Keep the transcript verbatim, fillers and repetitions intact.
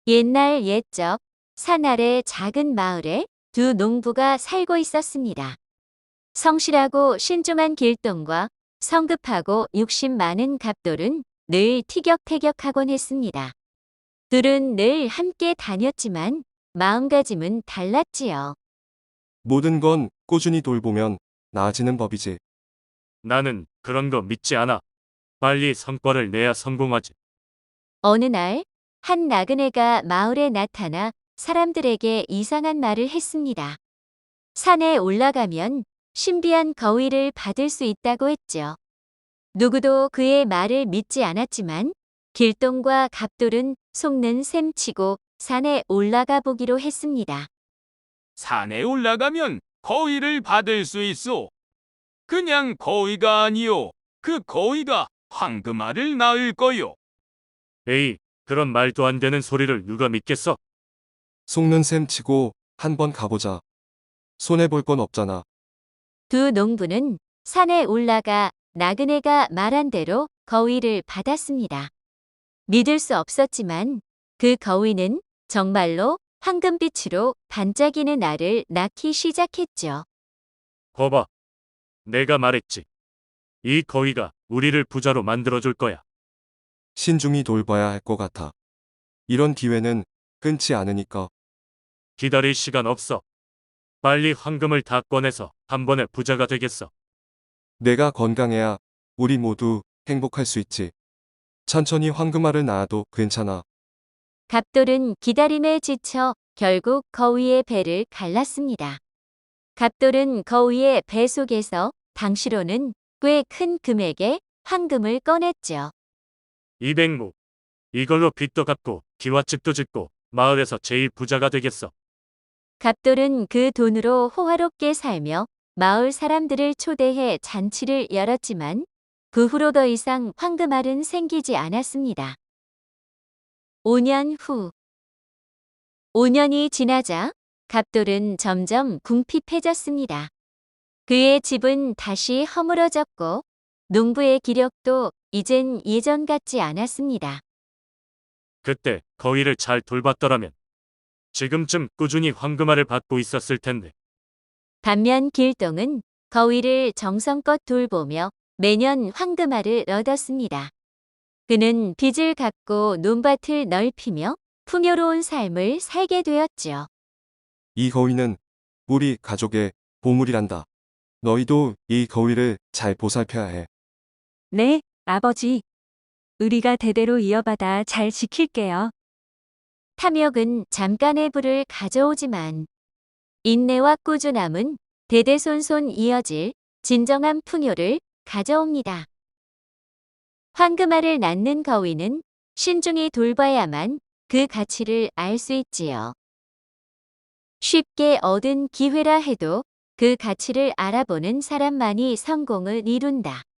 옛날 옛적 산 아래 작은 마을에 두 농부가 살고 있었습니다. 성실하고 신중한 길동과 성급하고 욕심 많은 갑돌은 늘 티격태격하곤 했습니다. 둘은 늘 함께 다녔지만 마음가짐은 달랐지요. 모든 건 꾸준히 돌보면 나아지는 법이지. 나는 그런 거 믿지 않아. 빨리 성과를 내야 성공하지. 어느 날, 한 나그네가 마을에 나타나 사람들에게 이상한 말을 했습니다. 산에 올라가면 신비한 거위를 받을 수 있다고 했죠. 누구도 그의 말을 믿지 않았지만 길동과 갑돌은 속는 셈치고 산에 올라가 보기로 했습니다. 산에 올라가면 거위를 받을 수 있어. 그냥 거위가 아니요. 그 거위가 황금알을 낳을 거요. 에이, 그런 말도 안 되는 소리를 누가 믿겠어? 속는 셈 치고 한번 가보자. 손해볼 건 없잖아. 두 농부는 산에 올라가 나그네가 말한 대로 거위를 받았습니다. 믿을 수 없었지만 그 거위는 정말로 황금빛으로 반짝이는 알을 낳기 시작했죠. 거봐. 내가 말했지. 이 거위가 우리를 부자로 만들어줄 거야. 신중히 돌봐야 할 것 같아. 이런 기회는 끊지 않으니까. 기다릴 시간 없어. 빨리 황금을 다 꺼내서 한 번에 부자가 되겠어. 내가 건강해야 우리 모두 행복할 수 있지. 천천히 황금알을 낳아도 괜찮아. 갑돌은 기다림에 지쳐 결국 거위의 배를 갈랐습니다. 갑돌은 거위의 배 속에서 당시로는 꽤 큰 금액의 황금을 꺼냈죠. 이백무. 이걸로 빚도 갚고 기와집도 짓고 마을에서 제일 부자가 되겠어. 갑돌은 그 돈으로 호화롭게 살며 마을 사람들을 초대해 잔치를 열었지만 그 후로 더 이상 황금알은 생기지 않았습니다. 오 년 후. 오 년이 지나자 갑돌은 점점 궁핍해졌습니다. 그의 집은 다시 허물어졌고 농부의 기력도 이젠 예전 같지 않았습니다. 그때 거위를 잘 돌봤더라면 지금쯤 꾸준히 황금알을 받고 있었을 텐데. 반면 길동은 거위를 정성껏 돌보며 매년 황금알을 얻었습니다. 그는 빚을 갚고 논밭을 넓히며 풍요로운 삶을 살게 되었죠. 이 거위는 우리 가족의 보물이란다. 너희도 이 거위를 잘 보살펴야 해. 네, 아버지. 우리가 대대로 이어받아 잘 지킬게요. 탐욕은 잠깐의 부를 가져오지만 인내와 꾸준함은 대대손손 이어질 진정한 풍요를 가져옵니다. 황금알을 낳는 거위는 신중히 돌봐야만 그 가치를 알 수 있지요. 쉽게 얻은 기회라 해도 그 가치를 알아보는 사람만이 성공을 이룬다.